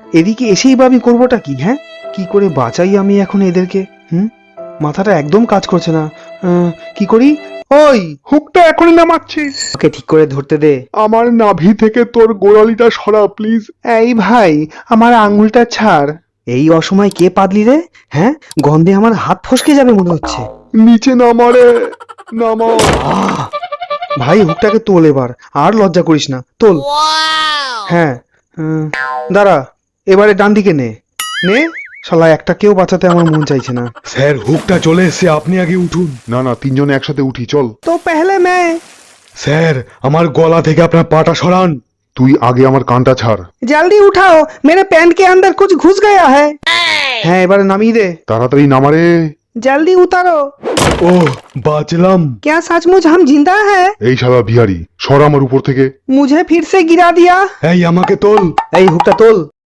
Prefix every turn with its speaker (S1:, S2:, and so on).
S1: এদিকে এসেই বা আমি করবোটা কি? হ্যাঁ, কি করে বাঁচাই আমি এখন এদেরকে? মাথাটা একদম কাজ করছে না। কি করি? ওই,
S2: হুকটা এখনই নামাচ্ছি।
S1: ওকে ঠিক করে ধরতে দে।
S2: আমার নাভি থেকে তোর গোড়ালিটা সরা প্লিজ।
S1: এই ভাই, আমার আঙুলটা ছাড়। এই অসময় কে পাদলি রে? হ্যাঁ, গন্ধে আমার হাত ফসকে যাবে মনে হচ্ছে।
S2: নিচে নামারে, নামা।
S1: আহ! ভাই, হুকটাকে তোল এবার, আর লজ্জা করিস না, তোল। হ্যাঁ, দাঁড়া, এবারে ডান দিকে নে। নে, শালা একটা কেউ বাঁচাতে আমার মন চাইছে না।
S2: স্যার হুকটা চলে এসেছে, আপনি আগে উঠুন। না না, তিনজনে একসাথে উঠি, চল।
S1: তো পেহলে मैं।
S2: স্যার, আমার গলা থেকে আপনার পাটা সরান। তুই আগে আমার কানটা ছাড়।
S1: जल्दी उठाओ, मेरे पैंट के अंदर कुछ घुस गया है। হ্যাঁ, এবারে নামিয়ে দে।
S2: তাড়াতাড়ি নামারে।
S1: जल्दी उतारो।
S2: ওহ, বাঁচলাম।
S1: क्या सचमुच हम जिंदा है?
S2: এই শালা বিহারি, সর আমার উপর থেকে।
S1: मुझे फिर से गिरा दिया।
S2: এই আমাকে তোল।
S1: এই হুকটা তোল।